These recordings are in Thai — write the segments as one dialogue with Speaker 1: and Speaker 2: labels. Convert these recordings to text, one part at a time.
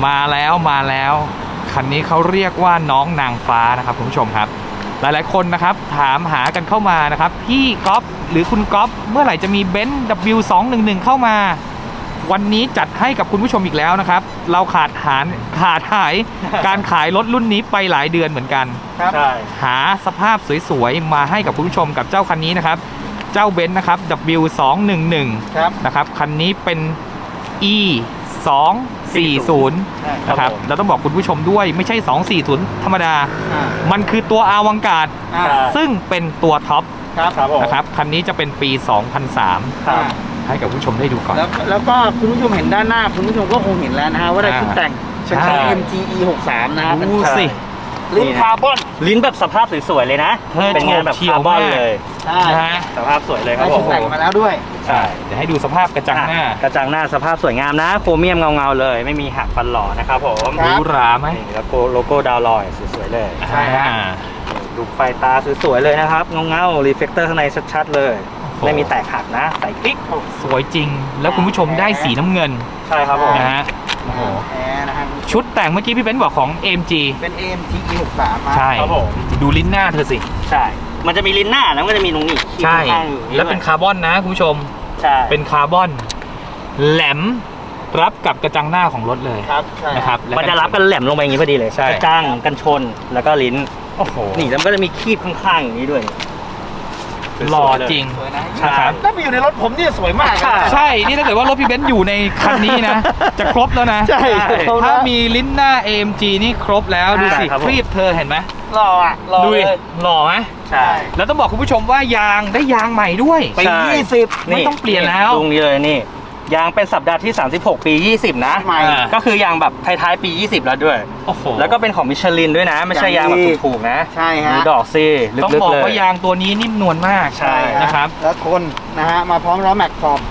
Speaker 1: มาแล้วคันนี้เขาเรียกว่าน้องนางฟ้านะครับคุณผู้ชมครับหลายๆคนนะครับถามหากันเข้ามานะครับพี่ก๊อฟหรือคุณก๊อฟเมื่อไหร่จะมีเบนซ์ W211 เข้ามาวันนี้จัดให้กับคุณผู้ชมอีกแล้วนะครับเราขาดหาย การขายรถรุ่นนี้ไปหลายเดือนเหมือนกัน
Speaker 2: ใช่
Speaker 1: หาสภาพสวยๆมาให้กับคุณผู้ชมกับเจ้าคันนี้นะครับเจ้าเบนซ์นะครับ W211 นะครับคันนี้เป็น E 240นะครับเราต้องบอกคุณผู้ชมด้วยไม่ใช่240ธรรมดามันคือตัวอวังการ์ดซึ่งเป็นตัวท็อปนะครับคันนี้จะเป็นปี 2003ให้กับผู้ชมได้ดูก่อน
Speaker 2: แล้วก็คุณผู้ชมเห็นด้านหน้าคุณผู้ชมก็คงเห็นแล้วนะฮะว่าได้ชุดแต่งเป็นของ MGE 63นะครับ
Speaker 1: ดูสิ
Speaker 2: ลิ้นคาร์บอน
Speaker 3: ลิ้นแบบสภาพสวยๆเลยนะเป็นงานแบบคาร์บอนเลย
Speaker 2: ใช่
Speaker 3: สภาพสวยเลยครับผม
Speaker 2: แต่งมาแล้วด้วย
Speaker 1: ใช่เดี๋ยวให้ดูสภาพกระจังหน้
Speaker 3: สภาพสวยงามนะโครเมียมเงาๆเลยไม่มีหักฟันหล่อนะครับผม
Speaker 1: หรูหราไหม
Speaker 3: แล้วโลโก้ดาวลอยสวยๆเลย
Speaker 2: ใช่ฮะ
Speaker 3: ดูไฟตาสวยๆเลยนะครับเงาๆรีเฟกเตอร์ข้างในชัดๆเลยไม่มีแตกหักนะใส่คลิก
Speaker 1: สวยจริงแล้วคุณผู้ชมได้สีน้ำเงิน
Speaker 3: ใช่ครับผม
Speaker 1: นะฮะชุดแต่งเมื่อกี้พี่เบนซ์บอกของ AMG
Speaker 2: เป็น AMG E63
Speaker 1: ใช่ครับผมดูลิ้นหน้าเธอสิ
Speaker 3: ใช่มันจะมีลิ้นหน้าแล้วก็จะมีตรงนี้
Speaker 1: ใช่แล้วเป็นคาร์บอนนะคุณผู้ชม
Speaker 3: ใช่
Speaker 1: เป็นคาร์บอนแหลมรับกับกระจังหน้าของรถเลยนะครับ
Speaker 3: มันจะรับกันแหลมลงไปอย่างนี้พอดีเลยกระจังกันชนแล้วก็ลิ้น
Speaker 1: โอ้โห
Speaker 3: นี่แล้วก็จะมีคีบข้างๆอย่างนี้ด้วย
Speaker 1: หล่อจริง
Speaker 2: นะครับถ้าไปอยู่ในรถผมนี่สวยมาก
Speaker 1: ใช่นี่ถ้าเกิดว่ารถพี่เบนซ์อยู่ในคันนี้นะจะครบแล้วนะ
Speaker 2: ใช่
Speaker 1: ถ้ามีลิ้นหน้า AMG นี่ครบแล้วดูสิครีบเธอเห็นไหม
Speaker 2: หล่ออ่ะ
Speaker 1: ดูหล่อไหม
Speaker 3: ใช่
Speaker 1: แล้วต้องบอกคุณผู้ชมว่ายางได้ยางใหม่ด้วย
Speaker 2: ปี20
Speaker 1: ไม่ต้องเปลี่ยนแล้ว
Speaker 3: ตรงนี้เลยนี่ยางเป็นสัปดาห์ที่36ปี20นะก็คือยางแบบท้ายๆปี20แล้วด้วย
Speaker 1: โอ้โห
Speaker 3: แล้วก็เป็นของมิชลินด้วยนะไม่ใช่ยางแบบถูกๆนะ
Speaker 2: ใช่ฮะ
Speaker 3: ดูดอกซี่
Speaker 1: ต้องบอกว่ายางตัวนี้นิ่มนวลมาก
Speaker 3: ใช่
Speaker 1: นะครับ
Speaker 2: แล้วทนนะฮะมาพร้อมล้อแม็กซ์ขอบ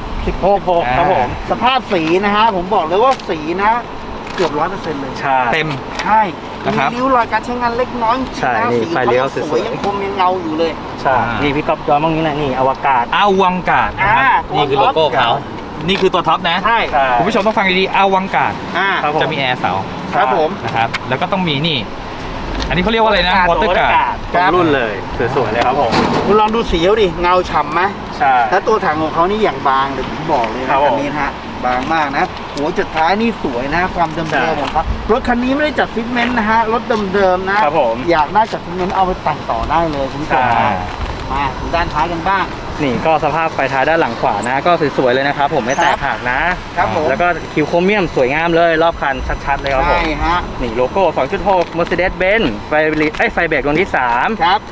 Speaker 2: 16ครับผมสภาพสีนะฮะผมบอกเลยว่าสีนะเกือบ 100% เลย
Speaker 1: เต็ม
Speaker 2: ใช่มีริ้วรอยการใช้งานเล็กน้อย
Speaker 3: ใช่นี่ไฟเลี้ยวสวย
Speaker 2: ยังคมยังเงาอยู่เลย
Speaker 3: ใช่นี่พี่ก๊อฟย้อนตรงนี้นะนี่อวกาศ
Speaker 1: นะครับนี่คือโลโก้เขานี่คือตัวท็อปนะ
Speaker 2: ใช่
Speaker 1: คุณผู้ชมต้องฟังดีๆอวังการ์ดจะมีแอร์เสา
Speaker 2: ครับผม
Speaker 1: นะครับแล้วก็ต้องมีนี่อันนี้เขาเรียกว่าอะไรนะวอเตอร์การ์
Speaker 3: ดรุ่นเลยสวยๆเลยครับผม
Speaker 2: คุณลองดูสีเขาดิเงาฉ่ำไหม
Speaker 3: ใช่
Speaker 2: แล้วตัวถังของเขานี่อย่างบางเลยผมบอกเลยนะคันนี้นะฮะบางมากนะหัวจุดท้ายนี่สวยนะความเดิมๆของเขารถคันนี้ไม่ได้จัดฟิตเมนต์นะฮะรถเดิมๆนะครับ
Speaker 3: ผม
Speaker 2: อยากได้จัดฟิตเมนต์เอาไปแต่งต่อได้เลยคุณผู้ชมมาถึงด้านท้ายกันบ้าง
Speaker 3: นี่ก็สภาพไฟท้ายด้านหลังขวานะก็สวยๆเลยนะครับผมไม่แตกหักนะครับผมแล้วก็คิวโครเมียมสวยงามเลยรอบคันชัดๆเลยครับผม
Speaker 2: ใช่ฮะ
Speaker 3: นี่โลโก้ 2.6 Mercedes-Benz ไฟเบรกดวงที่3
Speaker 2: ครับ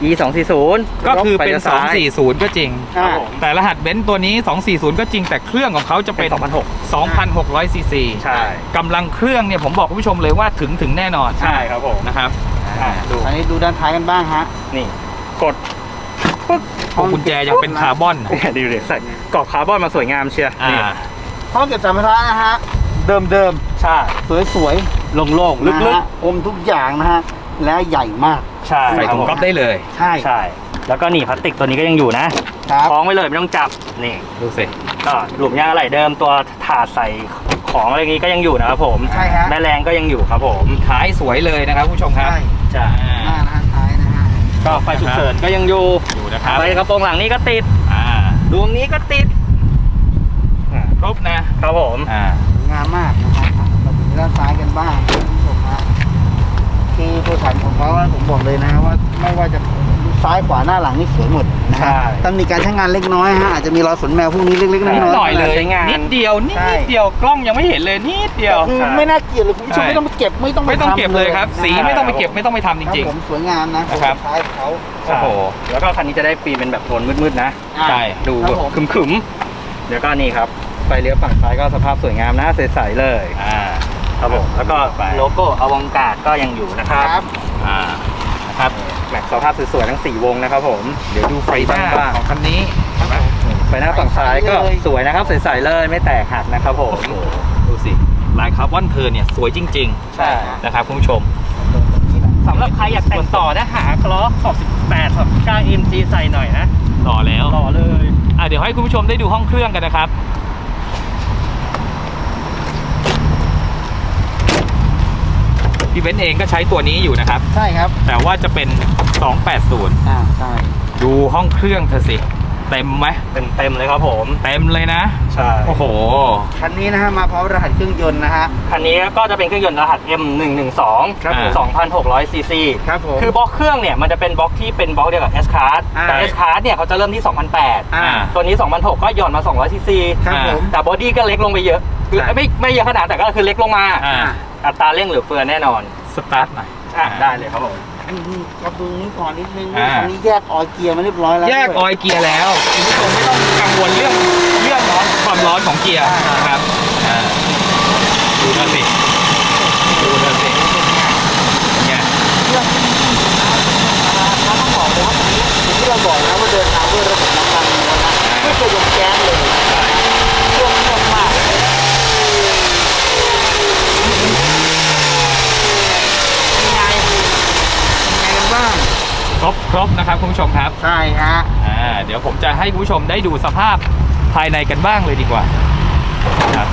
Speaker 1: E240 ก็คือเป็น240ก็จริงแต่รหัสเบนซ์ตัวนี้240ก็จริงแต่เครื่องของเขาจะเป็น2,600 ซีซี
Speaker 3: ใช่
Speaker 1: กำลังเครื่องเนี่ยผมบอกคุณผู้ชมเลยว่าถึงแน่นอน
Speaker 3: ใช่ครับผม
Speaker 1: นะครับ
Speaker 2: อันนี้ดูด้านท้ายกันบ้างฮะ
Speaker 3: นี่กด
Speaker 1: กุญแจยังเป็นคาร์บอน
Speaker 3: ดีเลยใส่กรอบคาร์บอนมาสวยงามเชียร์
Speaker 2: ห้องเก็บสัมภาระนะฮะเดิม
Speaker 3: ใช่
Speaker 2: สวย
Speaker 3: ๆโล่งๆลึก
Speaker 2: ๆอมทุกอย่างนะฮะและใหญ่มาก
Speaker 3: ใช่
Speaker 1: ใส่ถุงก๊อฟได้เลย
Speaker 3: ใช่แล้วก็นี่พลาสติกตัวนี้ก็ยังอยู่นะคล้องไว้เลยไม่ต้องจับนี่
Speaker 1: ดูสิ
Speaker 3: ก็หลุมยางอะไหล่เดิมตัวถาดใส่ของอะไรนี้ก็ยังอยู่นะครับผม
Speaker 2: ใช่ฮะ
Speaker 3: แม่แรงก็ยังอยู่ครับผม
Speaker 1: ท้ายสวยเลยนะครับผู้ชมครับ
Speaker 2: ใช่ท้ายนะฮะ
Speaker 3: ก็ไฟฉุกเฉินก็ยังอยู่
Speaker 1: นะครับ
Speaker 3: ไฟกระโปรงหลังนี้ก็ติดดวงนี้ก็ติด
Speaker 1: ครบนะครับ
Speaker 3: ผม
Speaker 2: งามมากนะครับมาถึงด้านซ้ายกันบ้างคุณผู้ชมฮะคือตัวถังของเขาผมบอกเลยนะว่าไม่ว่าจะซ้ายขวาหน้าหลังนี่สวยหมดนะฮะตำหนิการใช้งานเล็กน้อยฮะอาจจะมีรอยฝนแมวพวกนี้เล็กๆน้อย
Speaker 1: ๆเลยนิดเดียวกล้องยังไม่เห็นเลยนิดเดียว
Speaker 2: คือไม่น่าเกลียดเลยคุณผู้ชมไม่ต้องไปเก็บไม่ต้อง
Speaker 1: เก็บเลยครับสีไม่ต้องไปเก็บไม่ต้องไปทำจริง
Speaker 2: ๆผมสวยงามนะครับท้ายเขา
Speaker 1: โอ้โห
Speaker 3: แล้วก็คันนี้จะได้ปีเป็นแบบโทนมืดๆนะ
Speaker 1: ใช่
Speaker 3: ดูขึมๆแล้วก็นี่ครับไฟเลี้ยวฝั่งซ้ายก็สภาพสวยงามนะใสๆเลยครับผมแล้วก็โลโก้อวังการ์ดก็ยังอยู่นะครับ
Speaker 1: นะครับ
Speaker 3: แม็กสภาพสวยๆทั้ง4วงนะครับผม
Speaker 1: เดี๋ยวดูไฟหน้าของคันนี้
Speaker 3: ไฟหน้าฝั่งซ้ายก็สวยนะครับใสๆเลยไม่แตกหักนะครับผม
Speaker 1: ดูสิลายคาร์บอนเธอเนี่ยสวยจริงๆ
Speaker 3: ใช่
Speaker 1: นะครับคุณผู้ชม
Speaker 3: สำหรับใครอยากแต่งต่อนะหาล้อขอบ18ขอบ9 MG ใส่หน่อยนะ
Speaker 1: ต่อ
Speaker 3: เลย
Speaker 1: เดี๋ยวให้คุณผู้ชมได้ดูห้องเครื่องกันนะครับพี่เบนซ์เองก็ใช้ตัวนี้อยู่นะครับ
Speaker 2: ใช่ครับ
Speaker 1: แต่ว่าจะเป็น 280
Speaker 2: ใช่
Speaker 1: ดูห้องเครื่องเธอสิเต็มไหม
Speaker 3: เต็มเลยครับผม
Speaker 1: เต็มเลยนะ
Speaker 3: ใช่
Speaker 1: โอ้โห
Speaker 2: คันนี้นะฮะมาพร้อมรหัสเครื่องยนต์นะฮะ
Speaker 3: คันนี้ก็จะเป็นเครื่องยนต์รหัส M112
Speaker 2: ครับผม
Speaker 3: 2,600 ซีซี
Speaker 2: ครับผม
Speaker 3: คือบล็อกเครื่องเนี่ยมันจะเป็นบล็อกที่เป็นบล็อกเดียวกับ S-Card
Speaker 2: อ่า
Speaker 3: แต่ S-Card เนี่ยเขาจะเริ่มที่ 2,800 ตัวนี้ 2,600 ก็หย่อนมา 200 ซีซี
Speaker 2: ครับผม
Speaker 3: แต่บอดี้ก็เล็กลงไปเยอะ คือ
Speaker 2: ครับ
Speaker 3: ไม่เยอะขนาดแต่ก็คือเล็กลงมา
Speaker 1: อ่า
Speaker 3: อัตราเร่งเหลือเฟือแน่นอน
Speaker 1: สตาร์ทหน่อย
Speaker 3: ได้เลยครับผม
Speaker 2: กระดูนี้ก่อนนิดนึง
Speaker 1: อ่า
Speaker 2: คันนี้แยกออยเกียร์มาเรียบร้อยแล้ว
Speaker 1: แยกออยล์เกียร์แล้วคุณผู้ชมไม่ต้องกังวลเรื่องความร้อนของเกียร์นะครับดูนะสิเนี่ย
Speaker 2: ต้องบอกเลยว่าคันนี้อย่างที่เราบอกนะว่าเดินทางด้วยระบบน้ำมันล้วนนะไม่เคยยกแก๊สเลยเครื่องนุ่มมากยังไงกันบ้าง
Speaker 1: ครบนะครับคุณผู้ชมครับ
Speaker 2: ใช่ฮะ
Speaker 1: เดี๋ยวผมจะให้คุณผู้ชมได้ดูสภาพภายในกันบ้างเลยดีกว่าครับ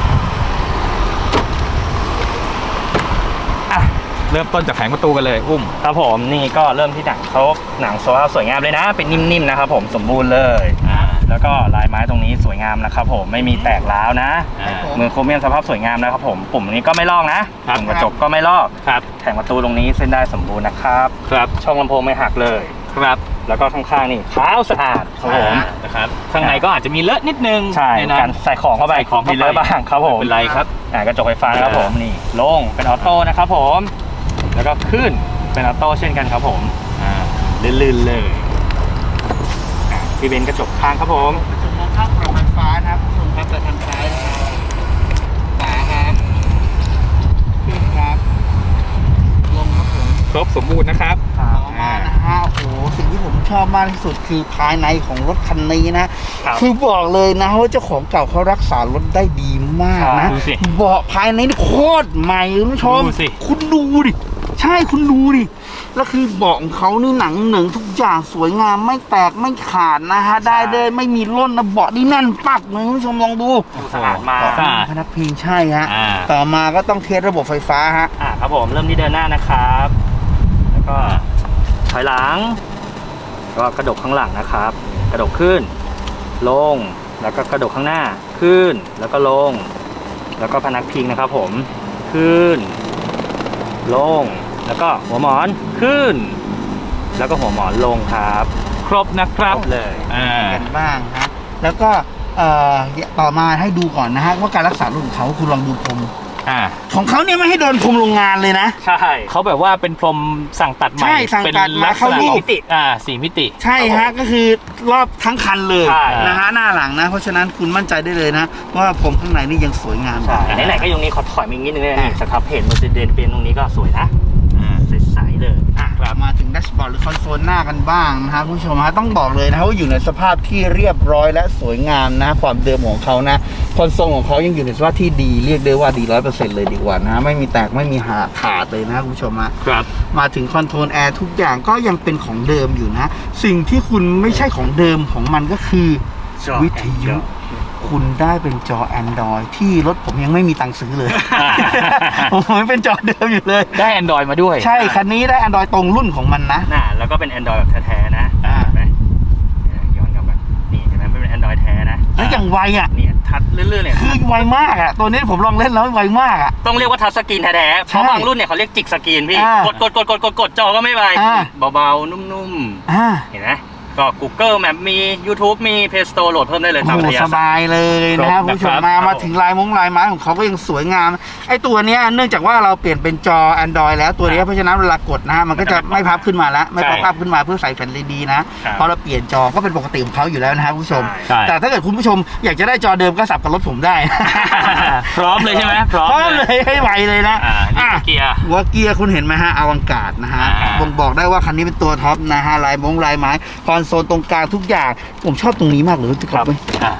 Speaker 1: เริ่มต้นจากแผงประตูกันเลยอุ้ม
Speaker 3: ครับผมนี่ก็เริ่มที่หนังเขาหนังโซล่าสวยงามเลยนะ เป็นนิ่มๆนะครับผมสมบูรณ์เลย แล้วก็ลายไม้ตรงนี้สวยงามนะครับผมไม่มีแตกร้าวนะ
Speaker 2: ครับผม
Speaker 3: มือโครเมียมสภาพสวยงามนะครับผมปุ่มนี้ก็ไม่ลอกนะครับ ปุ่มกระจกก็ไม่ลอก
Speaker 1: ครับ
Speaker 3: แผงประตูตรงนี้เส้นได้สมบูรณ์นะครับ
Speaker 1: ครับ
Speaker 3: ช่องลำโพงไม่หักเลย
Speaker 1: ครับ
Speaker 3: แล้วก็ข้างๆนี่ขาวสะอาดครับผม
Speaker 1: นะครับข้างในก็อาจจะมีเลอะนิดนึง
Speaker 3: ใช่
Speaker 1: ในนั้น
Speaker 3: การใส่ของเข้าไป
Speaker 1: ใส่ของเข้าไป
Speaker 3: มีเลอะบ้างครับผม
Speaker 1: ไม่เป็นไรครับ
Speaker 3: กระจกไฟฟ้านะครับผมนี่โล่งเป็นออโต้นะครับผมแล้วก็ขึ้นเป็นออโต้เช่นกันครับผมลื่นๆเลยพี่เบนซ์กระจกข้างครับผม
Speaker 2: กระจกมองข้างปรับไฟฟ้านะครับคุณผู้ชมครับแต่ทางซ้ายนะครับขวาครับขึ้นครับลงครับผม
Speaker 1: ครบสมบูรณ์นะครับ
Speaker 2: ต่อมานะฮะโอ้โหสิ่งที่ผมชอบมากที่สุดคือภายในของรถคันนี้นะ
Speaker 3: ครับ
Speaker 2: คือบอกเลยนะว่าเจ้าของเก่าเขารักษารถได้ดีมากนะ
Speaker 1: ดูสิ
Speaker 2: เบาะภายในนี่โคตรใหม่คุณผู้ชม
Speaker 1: ดูสิ
Speaker 2: คุณดูดิใช่คุณดูดิแล้วคือเบาะของเขานี่หนังเหนึ่งทุกอย่างสวยงามไม่แตกไม่ขาดนะฮะได้เลยไม่มีร่นนะเบาะนี่แน่นปักเลยคุณผู้ชมลองดู
Speaker 3: สะอาดมาก
Speaker 1: สะอาด
Speaker 2: พนักพิงใช่ฮะ
Speaker 1: อ่า
Speaker 2: ต่อมาก็ต้องเทสระบบไฟฟ้าฮะ
Speaker 3: ครับผมเริ่มที่เดินหน้านะครับ แล้วก็ถอยหลังก็กระดกข้างหลังนะครับ กระดกขึ้นลงแล้วก็กระดกข้างหน้าขึ้นแล้วก็ลง แล้วก็พนักพิงนะครับผมขึ้นลงแล้วก็หัวหมอนขึ้น แล้วก็หัวหมอนลงครับ
Speaker 1: ครบนะครับ
Speaker 3: ครบเลย
Speaker 2: กันบ้างฮะแล้วก็ต่อมาให้ดูก่อนนะฮะว่าการรักษารถของเขาคุณลองดูพรมของเขาเนี่ยไม่ให้โดนพรมโรงงานเลยนะ
Speaker 3: ใช่
Speaker 1: เขาแบบว่าเป็นพรมสั่งตัดใหม่
Speaker 2: ใช่สั่งตัด
Speaker 1: เป็น
Speaker 2: มา
Speaker 1: ลักษ
Speaker 2: เข้า
Speaker 1: ณะ
Speaker 2: รูป
Speaker 1: ของสี่มิติ
Speaker 2: ใช่ฮะก็คือรอบทั้งคันเลย
Speaker 3: ใช่
Speaker 2: นะฮะหน้าหลังนะ เพราะฉะนั้นคุณมั่นใจได้เลยนะว่าผมข้างในนี่ยังสวยงาม
Speaker 3: ใช่ไหนๆก็ยังนี้ขอถอยมาอีกนิดนึงเลยนี่สครับเพจ Mercedes เป็นตรงนี้ก็สวยนะใสๆเลย
Speaker 2: มาถึงแดชบอร์ดหรือคอนโซลหน้ากันบ้างนะฮะคุณผู้ชมฮะต้องบอกเลยนะว่าอยู่ในสภาพที่เรียบร้อยและสวยงามนะความเดิมของเขานะคอนโซลของเขายังอยู่ในสภาพที่ดีเรียกได้ว่าดี 100% เลยดีกว่านะไม่มีแตกไม่มีขาดเลยนะคุณผู้ชมฮะ
Speaker 1: ครับ
Speaker 2: มาถึงคอนโทรลแอร์ทุกอย่างก็ยังเป็นของเดิมอยู่นะ สิ่งที่คุณไม่ใช่ของเดิมของมันก็คือ วิทยุ คุณได้เป็นจอ Android ที่รถผมยังไม่มีตังค์ซื้อเลย ผมยังเป็นจอเดิมอยู่เลย
Speaker 1: ได้ Android มาด้วย
Speaker 2: ใช่ คันนี้ได้ Android ตรงรุ่นของมันนะ
Speaker 3: แล้วก็เป็น Android แบบแท้ๆนะเห็นไหมย้อนกลับมานี่เห็นไหมไม่เป็น Android แท้นะ
Speaker 2: แล้วอย่างไวอ่ะ
Speaker 3: เนี่ยทัดเรื่อยๆเนี่ย
Speaker 2: คือไวมากอ่ะ ตัวนี้ผมลองเล่นแล้วไวมากอ่ะ
Speaker 3: ต้องเรียกว่าทัชสกรีนแท้ๆเพราะบางรุ่นเนี่ยเขาเรียกจิกสกรีนพี่
Speaker 2: อ่าก
Speaker 3: ดจอก็ไม่ไว
Speaker 2: อ่า
Speaker 3: เบาๆ นุ่ม
Speaker 2: อ่า
Speaker 3: ๆ เห็นไหมก็ Google Map มี YouTube มี Play Store โหลดเพิ่มได้เลย
Speaker 2: โอ้
Speaker 3: ตาม
Speaker 2: โห
Speaker 3: อัธยา
Speaker 2: ส
Speaker 3: ศัย
Speaker 2: บายเลยนะค
Speaker 1: คร
Speaker 2: รับบ คุณผู้ชม
Speaker 1: นะครับ
Speaker 2: มาถึงลายไม้ของเขาก็ยังสวยงาม ไอ้ตัวเนี้ยเนื่องจากว่าเราเปลี่ยนเป็นจอ Android แล้วตัวเนี้ยเพราะฉะนั้นเวลากดนะฮะมันก็จะไม่พับขึ้นมาแล้วไม่ป๊อปอัพขึ้นมาเพื่อใส่แผ่น LED นะพอเราเปลี่ยนจอก็เป็นปกติของเขาอยู่แล้วนะครับคุณผู้ชม
Speaker 1: ใช่
Speaker 2: แต่ถ้าเกิดคุณผู้ชมอยากจะได้จอเดิมก็สับกับรถผมได้
Speaker 1: พร้อมเลยใช่ไหมพร้อม
Speaker 2: พร้อมเลยให้ไวเลยนะ
Speaker 1: นี่คือเกียร์
Speaker 2: หัวเกียร์คุณเห็นไหมฮะอวังการนะฮะ บ่งบอกได้ว่าคันนี้เป็นตัวท็อปนะฮะลายไม้คอนโซลตรงกลางทุกอย่างผมชอบตรงนี้มากเลย
Speaker 3: ครับ
Speaker 2: ค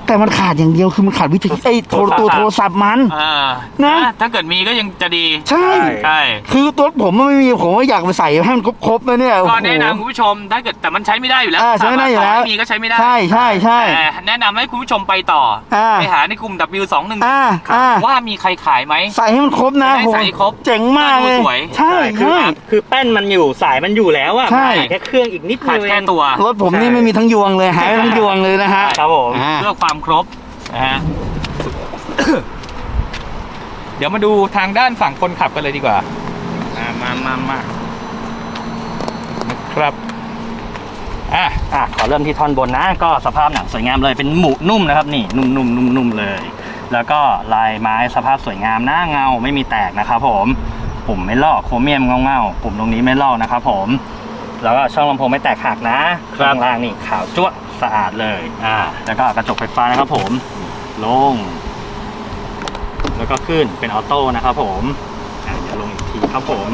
Speaker 2: แต่มันขาดอย่างเดียวคือมันขาดวิทยุตัวโทรศัพท์มัน นะ
Speaker 1: ถ้าเกิดมีก็ยังจะดี
Speaker 2: ใช่
Speaker 1: ใช่
Speaker 2: คือตัวผมมันไม่มีผมก็อยากไปใส่ให้มันครบๆนะเนี่ย
Speaker 1: ก็แนะนำคุณผู้ชมถ้าเกิดแต่มันใช้ไม่ได้อยู่แล้ว
Speaker 2: ใช้ไม่ได้อยู่แล้ว
Speaker 1: ไม่มีก็ใช้ไม่ได้
Speaker 2: ใช่
Speaker 1: แต่แนะนำให้คุณผู้ชมไปต่อไปหาในกลุ่ม W21 ว่ามีใครขายไหม
Speaker 2: ใส่ให้มันครบนะ
Speaker 1: ใส่ให้ครบ
Speaker 2: เจ๋งมากเลย
Speaker 1: สวย
Speaker 2: ใช่ใช่
Speaker 3: คือแป้นมันอยู่สายมันอยู่แล้วอ่ะ
Speaker 2: ใช่
Speaker 3: แค่เครื่องอีกนิด
Speaker 1: ขาด
Speaker 3: นึง
Speaker 1: แค่ตัว
Speaker 2: รถผมนี่ไม่มีทั้งยวงเลยหายไปทั้งยวงเลยนะฮะ
Speaker 3: ครับผม
Speaker 1: เพื่อความครบนะฮะ เดี๋ยวมาดูทางด้านฝั่งคนขับกันเลยดีกว่ามานะครับ
Speaker 3: ขอเริ่มที่ท่อนบนนะก็สภาพหนังสวยงามเลยเป็นหมูนุ่มนะครับนี่นุ่มเลย แล้วก็ลายไม้สภาพสวยงามหน้าเงาไม่มีแตกนะครับผมปุ่มไม่ลอกโครเมียมเงาปุ่มตรงนี้ไม่ลอกนะครับผมแล้วก็ช่องลำโพงไม่แตกหักนะข้างล่างนี่ขาวจั๊วะสะอาดเลยแล้วก็กระจกไฟฟ้านะครับผมลงแล้วก็ขึ้นเป็นออโต้นะครับผมเดี๋ยวลงอีกทีครับผม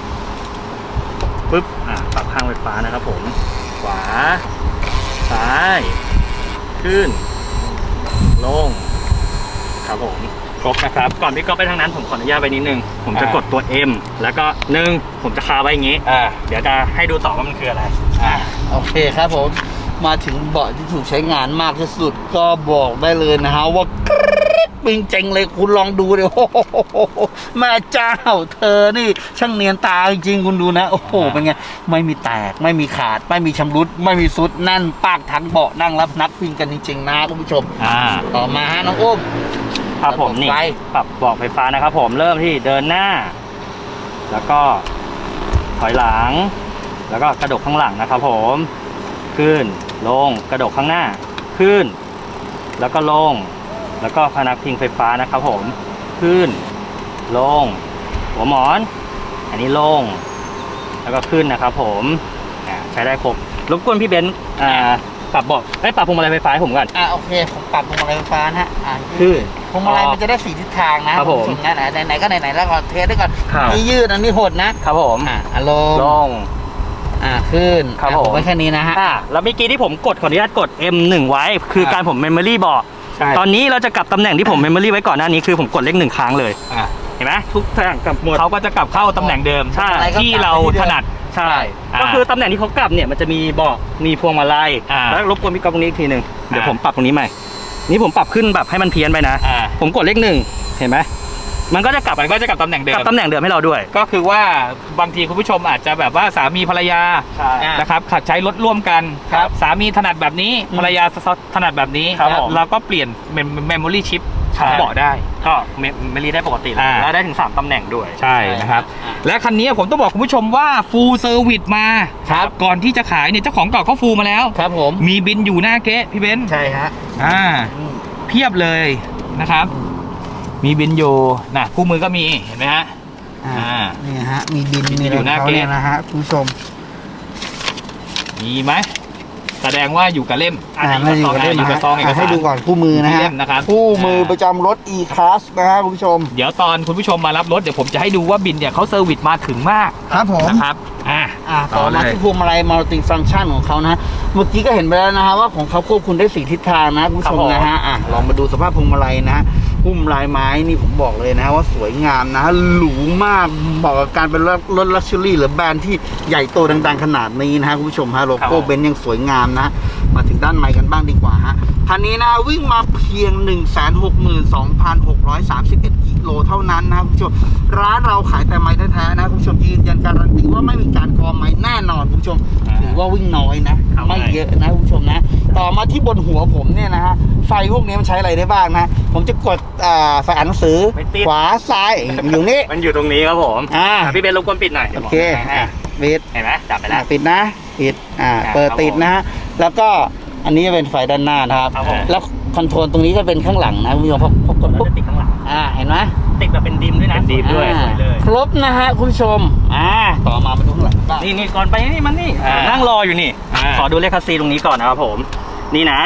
Speaker 3: ปึ๊บปรับข้างไฟฟ้านะครับผมขวาซ้ายขึ้นลงครับผมครบนะครับก่อนพี่ก็ไปทางนั้นผมขออนุญาตไปนิดนึงผมจะกดตัว M แล้วก็ผมจะคาไว้อย่างนี้เดี๋ยวจะให้ดูต่อว่ามันคืออะไร
Speaker 2: โอเคครับผมมาถึงเบาะที่ถูกใช้งานมากที่สุดก็บอกได้เลยนะฮะว่าปิงเจ๋งเลยคุณลองดูเลยโอ้โหแม่เจ้าเธอนี่ช่างเนียนตาจริงๆคุณดูนะโอ้โหเป็นไงไม่มีแตกไม่มีขาดไม่มีชำรุดไม่มีซุดนั่นปากทั้งเบาะนั่งรับนักวิ่งกันจริงๆนะคุณผู้ชมต่อมาฮะน้องอุ้ม
Speaker 3: ครับผมนี่ปรับเบาะไฟฟ้านะครับผมเริ่มที่เดินหน้าแล้วก็ถอยหลังแล้วก็กระดกข้างหลังนะครับผมขึ้นลงกระดกข้างหน้าขึ้นแล้วก็ลงแล้วก็พนักพิงไฟฟ้านะครับผมขึ้นลงหัวหมอนอันนี้ลงแล้วก็ขึ้นนะครับผมใช้ได้ครบรบกวนพี่เบนซ์ปรับเบาะปรับพวงมาลัยไฟฟ้าให้ผมก่อน
Speaker 2: โอเคผมปรับพวงมาลัยไฟฟ้านะฮะคือพวงมาลัยมันจะได้4ทิศทางนะครับผมไหนก็ไหนแล้วก็เทสด้วยก่อนนี่ยืดอันนี้หดนะครับ
Speaker 3: ผม
Speaker 2: ลงขึ้น
Speaker 3: ครับผม
Speaker 2: ไว้แค่นี้นะฮะ
Speaker 3: แล้วเมื่อกี้ที่ผมกดขออนุญาตกด M1 ไว้คือการผมเมมโมรี่บอกตอนนี้เราจะกลับตำแหน่งที่ผมเมมโมรี่ไว้ก่อนหน้านี้คือผมกดเลข1ครั้งเลยเห็นไหมทุกอย่างกลับหมด
Speaker 1: เขาก็จะกลับเข้าตำแหน่งเดิมที่เราถนัด
Speaker 3: ใช่ก็คือตำแหน่งที่เขากลับเนี่ยมันจะมีเบาะมีพวงมาลัยแล้วรบกวนพี่ก๊อฟตรงนี้อีกทีหนึ่งเดี๋ยวผมปรับตรงนี้ใหม่นี่ผมปรับขึ้นแบบให้มันเพี้ยนไปนะผมกดเลข1เห็นไหมมันก็จะกลับตำแหน่งเดิมให้เราด้วย
Speaker 1: ก็คือว่าบางทีคุณผู้ชมอาจจะแบบว่าสามีภรรยานะครับขัดใช้รถร่วมกันสามีถนัดแบบนี้ภรรยาถนัดแบบนี้เราก็เปลี่ยนเมมโมรี่ชิปของเบาะได้
Speaker 3: ก็เมมโมรี่ได้ปกติแล้วได้ถึง3ตำแหน่งด้วย
Speaker 1: ใช่นะครับและคันนี้ผมต้องบอกคุณผู้ชมว่าฟูลเซอร์วิสมาก่อนที่จะขายเนี่ยเจ้าของเก่าเขาฟูลมาแล้ว
Speaker 2: ครับผม
Speaker 1: มีบินอยู่หน้าเก๊ะพี่เบนซ์
Speaker 2: ใช่ฮะ
Speaker 1: เพียบเลยนะครับมีบินอยู่นะคู่มือก็มีเห็นไหมฮะ
Speaker 2: นี่ฮะมีบินมีอยู่หน้าเกณฑ์นะฮะคุณผู้ชม
Speaker 1: มีไหมแสดงว่าอยู่กับเล่ม
Speaker 2: ไม่อยู่กับเล่มอยู่กับซองให้ดูก่อนคู่มือนะฮะคู่มือประจำรถ E-Class นะฮะคุณผู้ชม
Speaker 1: เดี๋ยวตอนคุณผู้ชมมารับรถเดี๋ยวผมจะให้ดูว่าบินเนี่ยเขาเซอร์วิสมาถึงมาก
Speaker 2: ครับผม
Speaker 1: นะครับ
Speaker 2: ต่อมาที่พวงมาลัยมัลติฟังก์ชันของเขานะเมื่อกี้ก็เห็นไปแล้วนะฮะว่าของเขาควบคุมได้4ทิศทางนะคุณผู้ชมนะฮะลองมาดูสภาพพวงมาลัยนะหุ้มลายไม้นี่ผมบอกเลยนะว่าสวยงามนะหรูมากบอกกับการเป็นรถลักชัวรี่หรือแบรนด์ที่ใหญ่โตดังๆขนาดนี้นะคุณผู้ชมฮะโลโก้เบนซ์ยังสวยงามนะมาถึงด้านในกันบ้างดีกว่าฮะคันนี้นะวิ่งมาเพียง 162,631 กิโลเท่านั้นนะคุณผู้ชมร้านเราขายแต่ไม้แท้ๆนะคุณผู้ชมยืนยันการันตีว่าไม่มีการกอไม้แน่นอนคุณผู้ชมถือว่าวิ่งน้อยนะไม่เยอะนะคุณผู้ชมนะต่อมาที่บนหัวผมเนี่ยนะฮะไฟพวกนี้มันใช้อะไรได้บ้างนะผมจะกดไฟอ่านหนังสือขวาซ้ายอยู่นี่
Speaker 3: มันอยู่ตรงนี้ครับผมพี่เบนรบกวนปิดหน่อย
Speaker 2: โอเคปิด
Speaker 3: เห็นไหมจับไปแล้ว
Speaker 2: ปิดนะปิดเปิดติดนะฮะแล้วก็อันนี้จะเป็นไฟด้านหน้านะครับแล้วคอนโทรลตรงนี้จะเป็นข้างหลังนะคุณผู้ชมพอกดปุ๊บ
Speaker 3: ติดข้างหลัง
Speaker 2: เห็นไหม
Speaker 3: ติดแบบเป็นดิมด้วยนะ
Speaker 1: ดิมด้วย
Speaker 2: ครบนะฮะคุณผู้ชมต่อมาดูข้างหลังบ้าง
Speaker 3: นี่ก่อนไปนี่มันนี่นั่งรออยู่นี่ขอดูเลขคัสซีตรงนี้ก่อนนะครับผมนี่นะ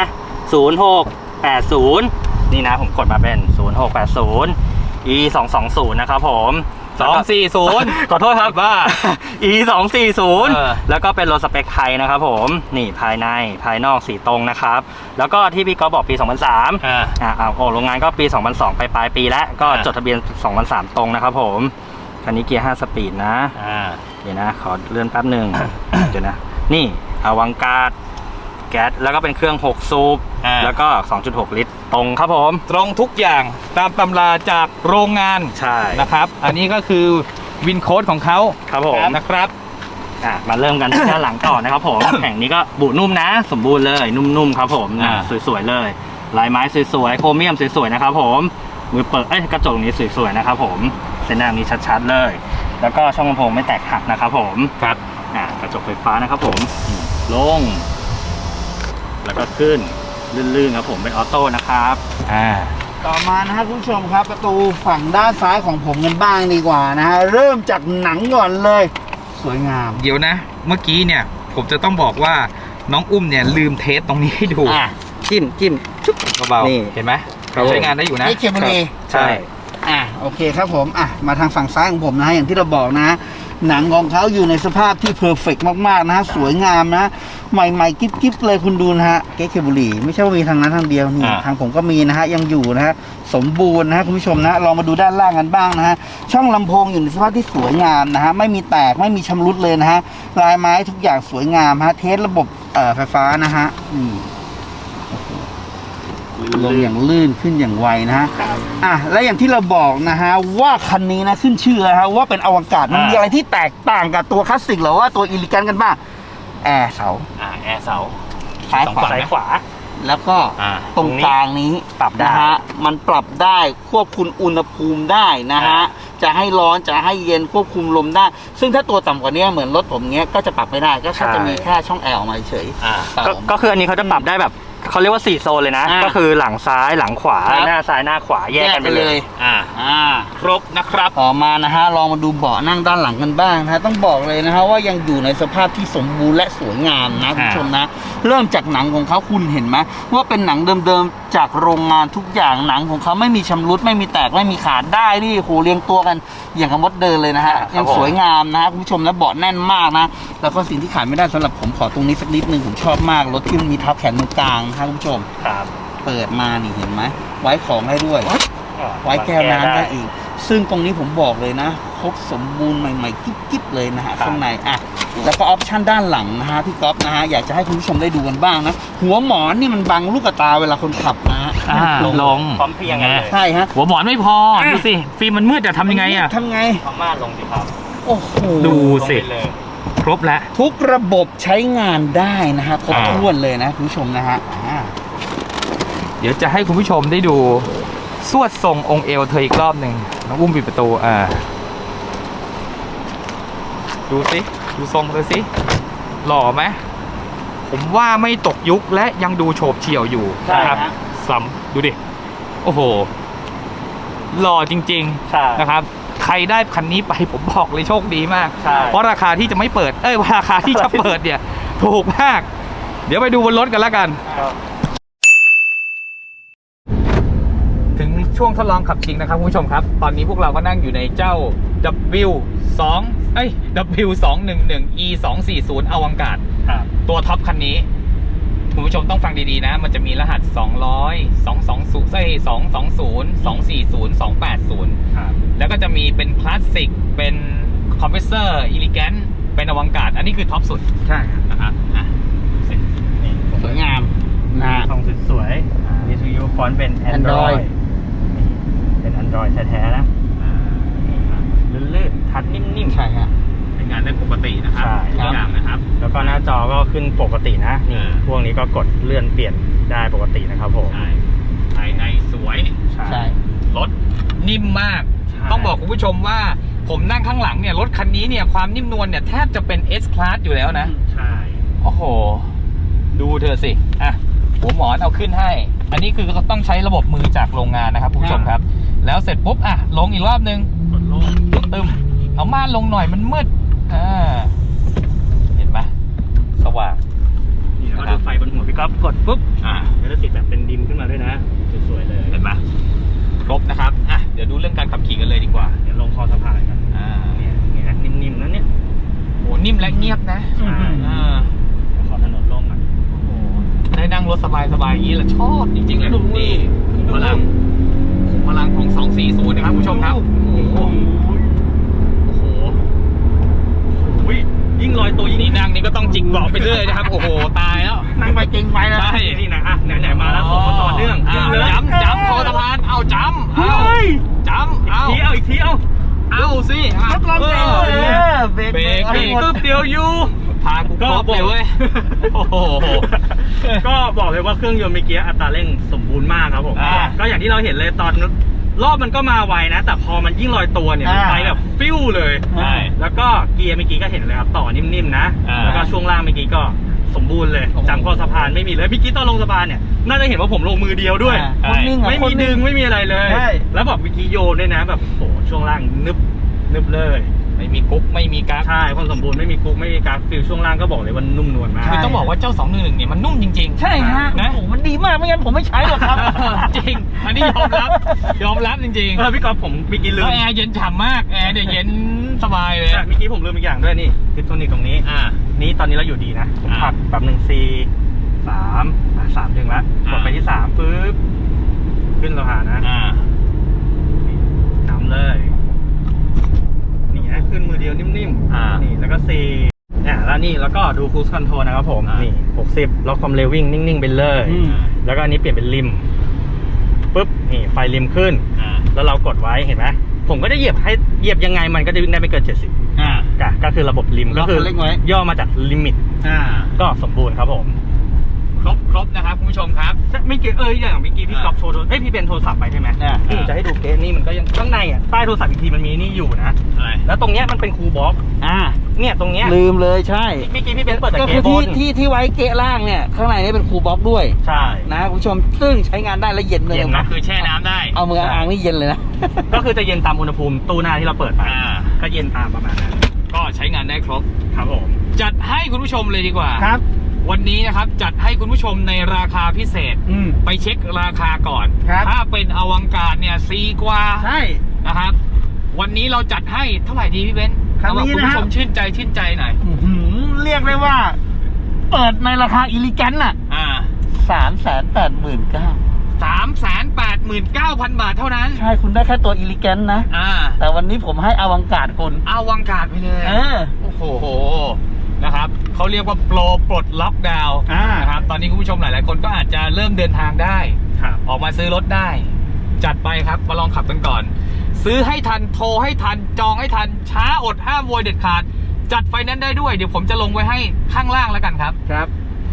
Speaker 3: 0680นี่นะผมกดมาเป็น0680 E220นะครับผม
Speaker 1: 240
Speaker 3: ขอโทษครับ
Speaker 1: บ้า
Speaker 3: E 240
Speaker 1: เออ
Speaker 3: แล้วก็เป็นรถสเปคไทยนะครับผมนี่ภายในภายนอกสีตรงนะครับแล้วก็ที่พี่ก๊อฟบอกปี 2003 โรงงานก็ปี 2002 ไปปลายปีแล้วก็จดทะเบียน 2003 ตรงนะครับผมคันนี้เกียร์ 5 สปีดนะเดี๋ยวนะขอเลื่อนแป๊บหนึ่ง เดี๋ยวนะนี่อวังการ์ดแก๊สแล้วก็เป็นเครื่อง 6 สูบแล้วก็ 2.6 ลิตรตรงครับผม
Speaker 1: ตรงทุกอย่างตามตำราจากโรงงาน
Speaker 3: ใช่
Speaker 1: นะครับ อันนี้ก็คือวินโค้ดของเขา
Speaker 3: ครับผม
Speaker 1: นะครับ
Speaker 3: มาเริ่มกันที่ด้านหลังต่อนะครับผม แห่งนี้ก็บุนุ่มนะ สมบูรณ์เลยนุ่มๆครับผมสวยๆเลยลายไม้สวยๆโครเมียมสวยๆนะครับผมมือเปิดกระจกนี้สวยๆนะครับผมเส้นหน้านี้ชัดๆเลย แล้วก็ช่องลำโพงไม่แตกหักนะครับผมครับกระจกไฟฟ้านะครับผมลงแล้วก็ขึ้นลื่นๆครับผมเป็นออโต้นะครับ
Speaker 2: ต่อมานะฮะคุณผู้ชมครับประตูฝั่งด้านซ้ายของผมกันบ้างดีกว่านะฮะเริ่มจากหนังก่อนเลย สวยงาม
Speaker 1: เดี๋ยวนะ เมื่อกี้เนี่ยผมจะต้องบอกว่าน้องอุ้มเนี่ยลืมเทสตรงนี้ให้ดู
Speaker 2: จิ้มชุบ
Speaker 1: เบา
Speaker 2: นี่
Speaker 1: ๆเห็นไหมใช้งานได้อยู่นะ
Speaker 2: นี่เคบุรี
Speaker 1: ใช่
Speaker 2: โอเคครับผมมาทางฝั่งซ้ายของผมนะฮะอย่างที่เราบอกนะ หนังของเขาอยู่ในสภาพที่เพอร์เฟกต์มากๆนะฮะสวยงามนะใหม่ๆกิ๊บๆเลยคุณดูนะฮะเก๊กเคบุรีไม่ใช่ว่ามีทางนั้นทางเดียวนี่ทางผมก็มีนะฮะยังอยู่นะฮะสมบูรณ์นะฮะคุณผู้ชมนะลองมาดูด้านล่างกันบ้างนะฮะช่องลำโพงอยู่ในสภาพที่สวยงามนะฮะไม่มีแตกไม่มีชำรุดเลยนะฮะลายไม้ทุกอย่างสวยงามฮะเทสระบบไฟฟ้านะฮะลงอย่างลื่นขึ้นอย่างไวนะฮะและอย่างที่เราบอกนะฮะว่าคันนี้นะขึ้นชื่อนะฮะว่าเป็นอวกาศมันมีอะไรที่แตกต่างกับตัวคลาสสิกหรือว่าตัวอิลิกันกันบ้างแอร์เสา
Speaker 3: แอร์เสา
Speaker 2: ซ้ายขวา
Speaker 3: ซ้ายขวา
Speaker 2: แล้วก็ตรงกลางนี้
Speaker 3: ปรับได้
Speaker 2: นะฮะมันปรับได้ควบคุมอุณหภูมิได้นะฮะจะให้ร้อนจะให้เย็นควบคุมลมได้ ซึ่งถ้าตัวต่ำกว่านี้เหมือนรถผมเงี้ยก็จะปรับไม่ได้ก็แค่จะมีแค่ช่องแอร์ออกมาเฉย
Speaker 3: ก็คืออันนี้เขาจะปรับได้แบบเขาเรียกว่า4โซนเลยนะ ก็คือหลังซ้ายหลังขวาหน้าซ้ายหน้าขวาแยกกันไปเลย
Speaker 1: ครบนะครับ
Speaker 2: ต่อมานะฮะลองมาดูเบาะนั่งด้านหลังกันบ้างนะฮะต้องบอกเลยนะฮะว่ายังอยู่ในสภาพที่สมบูรณ์และสวยงามนะคุณผู้ชมนะเริ่มจากหนังของเขาคุณเห็นไหมว่าเป็นหนังเดิมๆจากโรงงานทุกอย่างหนังของเขาไม่มีชำรุดไม่มีแตกไม่มีขาดได้นี่โหเรียงตัวกันอย่างกับมดเดินเลยนะฮะยังสวยงามนะคุณผู้ชมและเบาะแน่นมากนะแล้วก็สิ่งที่ขาดไม่ได้สำหรับผมขอตรงนี้สักนิดนึงผมชอบมากรถที่มันมีเท้าแขนตรงกลางนะคุณผู้ชมเปิดมานี่เห็นไหมไว้ของให้ด้วยไว้แก้วน้ำได้อีกซึ่งตรงนี้ผมบอกเลยนะครบสมบูรณ์ใหม่ๆกิ๊บๆเลยนะฮะข้างในแล้วก็ออปชั่นด้านหลังนะฮะพี่ก๊อฟนะฮะอยากจะให้คุณผู้ชมได้ดูกันบ้างนะหัวหมอนนี่มันบังลูกตาเวลาคนขับนะฮะ
Speaker 1: ลง
Speaker 3: พร้อมเพรียงกันเลย
Speaker 2: ใช่ฮะ
Speaker 1: หัวหมอนไม่พอดูสิฟิล์มมันมืดจะทำยังไง
Speaker 2: ทำไง
Speaker 3: พม่าลงสิครับ
Speaker 2: โอ้โห
Speaker 1: ดูสิครบแล้ว
Speaker 2: ทุกระบบใช้งานได้นะฮะครบถ้วนเลยนะคุณผู้ชมนะฮะ
Speaker 1: เดี๋ยวจะให้คุณผู้ชมได้ดูสวดทรงองค์เอวเธออีกรอบหนึ่งน้องอุ้มปิดประตูดูสิดูทรงเลยสิหล่อไหมผมว่าไม่ตกยุคและยังดูโฉบเฉี่ยวอยู่นะครับดูดิโอ้โหหล่อจริงๆนะครับใครได้คันนี้ไปผมบอกเลยโชคดีมากเพราะราคาที่จะไม่เปิดราคาที่จะเปิดเนี่ยถูกมากเดี๋ยวไปดูบนรถกันแล้วกันถึงช่วงทดลองขับจริงนะครับคุณผู้ชมครับตอนนี้พวกเราก็นั่งอยู่ในเจ้า W211 E240 อวังการ์ดตัวท็อปคันนี้คุณผู้ชมต้องฟังดีๆนะมันจะมีรหัส200 220 240 280แล้วก็จะมีเป็นคลาสสิกเป็นคอมเพรสเซอร์อิลิแกนเป็นอวังการ์ดอันนี้คือท็อปสุด
Speaker 2: ใช่
Speaker 1: นะครับ
Speaker 2: สวยงามนะ
Speaker 3: ทองสวยๆวิทยุฟอนต์เป็น Android เป็น Android แท้ๆนะลื่นๆทัชนิ่มๆ
Speaker 2: ใช่ฮะ
Speaker 1: ใช้งานได้ปกตินะครับทุกอย่างนะครับ
Speaker 3: แล้วก็หน้าจอก็ขึ้นปกตินะนี่พวกนี้ก็กดเลื่อนเปลี่ยนได้ปกตินะครับผม
Speaker 1: ใช่ภายในสวย
Speaker 2: ใช่
Speaker 1: รถนิ่มมากต้องบอกคุณผู้ชมว่าผมนั่งข้างหลังเนี่ยรถคันนี้เนี่ยความนิ่มนวลเนี่ยแทบจะเป็น S Class อยู่แล้วนะ
Speaker 3: ใช่
Speaker 1: โอ้โหดูเธอสิหัวหมอนเอาขึ้นให้อันนี้คือต้องใช้ระบบมือจากโรงงานนะครับคุณผู้ชมครับแล้วเสร็จปุ๊บลงอีกรอบนึง
Speaker 3: กดลง
Speaker 1: ตึมเอาม่านลงหน่อยมันมืดเห็นไหมสว่าง
Speaker 3: นี่แล้วก็ดูไฟบนหัวพี่ก๊อฟกดปุ๊บแล้วจะติดแบบเป็นดิมขึ้นมาด้วยนะสวยๆเลย
Speaker 1: เห็นไหมครบนะครับเดี๋ยวดูเรื่องการขับขี่กันเลยดีกว่า
Speaker 3: เดี๋ยวลงคอสะพานกัน เนี่ยนิ่มๆนะเนี่ย
Speaker 1: โหนิ่มและเงียบนะ
Speaker 3: ใช่ ขอถนนโล่งหน่อย
Speaker 1: โอ้โหได้นั่งรถสบายอย่างนี้แหละชอบจริงๆเลยนี่พลังของ240นะครับคุณผู้ชมครับโอ้โห
Speaker 3: อุ้ยยิ่งลอยตัวยิ่ง
Speaker 1: นี่นั่งนี่ก็ต้องจิกเบาะไปเรื่อยนะครับ โอ้โห ตายแล้ว
Speaker 2: นั่งไปจริงไปแล้ว
Speaker 1: ใช่
Speaker 3: นี่นะอ่ะไหนๆมาแล้วส่งมาต่อเนื่องขึ้นเลย
Speaker 1: จำคอสะพานเอาจำเอา
Speaker 3: เฮ้ย
Speaker 1: จำเอา
Speaker 3: อีกทีเอา
Speaker 1: เอาสิอ่ะ
Speaker 2: รถลองเบรก
Speaker 1: เออ
Speaker 2: เบรก
Speaker 1: เบรก
Speaker 3: ตึ๊บเดียวอยู่
Speaker 1: พากูครบเลยเว้ยโอ้โห
Speaker 3: ก็บอกเลยว่าเครื่องยนต์เมื่อกี้อัตราเร่งสมบูรณ์มากครับผม ก็อย่างที่เราเห็นเลยตอนรอบมันก็มาไวนะ แต่พอมันยิ่งลอยตัวเนี่ยมันไปแบบฟิวเลย
Speaker 1: ใช่
Speaker 3: แล้วก็เกียร์เมื่อกี้ก็เห็นเลยครับต่อนิ่มๆนะ แล้วก็ช่วงล่างเมื่อกี้ก็สมบูรณ์เลยจำข้อสะพานไม่มีเลยเมื่อกี้ตอนลงสะพานเนี่ยน่าจะเห็นว่าผมลงมือเดียวด้วย
Speaker 2: คนนิ่งอะ
Speaker 3: ไม่
Speaker 2: คน
Speaker 3: มี
Speaker 2: นิ่
Speaker 3: ดึงไม่มีอะไรเลย
Speaker 2: ใช่
Speaker 3: แล้วบอกเมื่อกี้โยนด้วยนะแบบโหช่วงล่างนึบเลย
Speaker 1: ไม่มีกุ๊กไม่มีกั๊ก
Speaker 3: ใช่ความสมบูรณ์ไม่มีกุ๊กไม่มีกราฟฟิลช่วงล่างก็บอกเลยว่านุ่มนวลมาก
Speaker 1: คือต้องบอกว่าเจ้า211เนี่ยมันนุ่มจริงๆ
Speaker 2: ใช่ฮะ
Speaker 1: นะ
Speaker 2: โอ้โหมันดีมากไม่งั้นผมไม่ใช้หรอกครับ
Speaker 1: จริง อันนี้ยอมรับจริงๆ
Speaker 3: พี่กอล์ฟผมเมื่อกี้ลื
Speaker 1: แล้
Speaker 3: ม
Speaker 1: วแอร์เย็นฉ่ำมากแอร์เนี่ยเย็นสบายเลย
Speaker 3: ใช่เมื่อกี้ผมลืมอีกอย่างด้วยนี่ทิปโทนิกตรงนี้นี่ตอนนี้เราอยู่ดีนะผมผลักแบบ1 4 3 ดึงแล้วกดไปที่3ปึ๊บขึ้นสะพานนะน้ำเลยนี่นะขึ้นมือเดียวนิ่มนี่แล้วก็4เนี่ยแล้วนี่แล้วก็ดู cruise control นะครับผมนี่60ล็อกความเร็ววิ่งนิ่งๆไปเลย แล้วก็อันนี้เปลี่ยนเป็นริมปุ๊บนี่ไฟริมขึ้นแล้วเรากดไว้เห็นไหมผมก็จะเหยียบยังไงมันก็จะวิ่งได้ไม่เกิน70ก็คือระบบริมก็คือย่อมาจากลิมิตก็สมบูรณ์ครับผม
Speaker 1: ครบนะครับคุณผู้ชมครับ
Speaker 3: ไม่เกี่อย่างเมื่อกี้พี่กอล์ฟโชว์พี่เป็นโทรศัพท์ไปใช่ไหมพี่จะให้ดูเกสนี่มันก็ยังข้างในอ่ะใต้โทรศัพท์อีกทีมันมีนี่อยู่นะแล้วตรงเนี้ยมันเป็นคูลบ็อกซ์เนี่ยตรงเนี้ย
Speaker 2: ลืมเลยใช่
Speaker 3: เมื่อกี้พี่เบนซ์เปิดแต่
Speaker 2: ก็
Speaker 3: เก
Speaker 2: คือ
Speaker 3: สบน
Speaker 2: ที่ไว้เกะล่างเนี่ยข้างในนี่เป็นคูลบ็อกซ์ด้วย
Speaker 3: ใช่
Speaker 2: นะคุณผู้ชมซึ่งใช้งานได้และเย็นเลย
Speaker 1: เย็นนะคือแช่น้ำได้
Speaker 2: เอามืออ่างนี่เย็นเลยนะ
Speaker 3: ก็คือจะเย็นตามอุณหภูมิตู้หน้าที่เราเปิดไปก็เย็นตามประมาณนั้น
Speaker 1: ก็ใช้งานได้ครบ
Speaker 3: ครับผม
Speaker 1: จัดให้คุณผู้ชมเลยดีกว่า
Speaker 2: ครับ
Speaker 1: วันนี้นะครับจัดให้คุณผู้ชมในราคาพิเศษ ไปเช็คราคาก่อน
Speaker 2: ครับ
Speaker 1: ถ้าเป็นอวังการเนี่ย4กว่า
Speaker 2: ใช่
Speaker 1: นะครับ วันนี้เราจัดให้เท่าไหร่ดีพี่เบนซ์
Speaker 2: ครั้ง
Speaker 1: เอา
Speaker 2: นี้
Speaker 1: ว่าคุณ
Speaker 2: นะ
Speaker 1: ผู้
Speaker 2: ค
Speaker 1: ช
Speaker 2: รับ
Speaker 1: มชื่นใจหน่อย
Speaker 2: เรียกได้ว่า เปิดในราคาอิลิแกนน่ะ 389,000
Speaker 1: 389,000 บาทเท่านั้น
Speaker 2: ใช่คุณได้แค่ตัวอิลิแกนนะ แต่วันนี้ผมให้อวังการคุณ
Speaker 1: อวังการไปเลย โอ้โหนะครับเขาเรียกว่าโปรปลดล็อกดาวน์นะครับตอนนี้คุณผู้ชมหลาย ๆ คนก็อาจจะเริ่มเดินทางได้ ออกมาซื้อรถได้ จัดไปครับมาลองขับกันก่อน ซื้อให้ทันโทรให้ทันจองให้ทันช้าอดห้ามโวยเด็ดขาด จัดไฟแนนซ์ได้ด้วยเดี๋ยวผมจะลงไว้ให้ข้างล่างแล้วกันครับ
Speaker 2: ครับ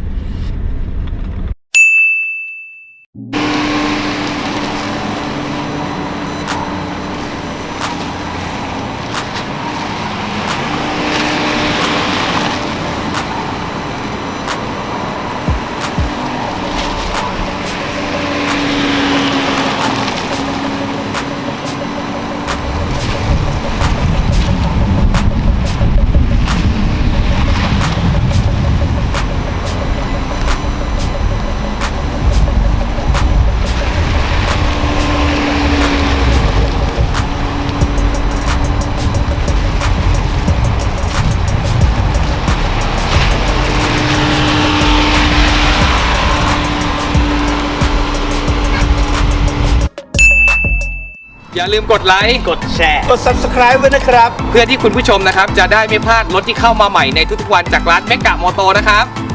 Speaker 1: อย่าลืมกดไลค์กดแชร์
Speaker 2: กด subscribe ไว้นะครับ
Speaker 1: เพื่อที่คุณผู้ชมนะครับจะได้ไม่พลาดรถที่เข้ามาใหม่ในทุกๆวันจากร้านเมกะมอโตนะครับ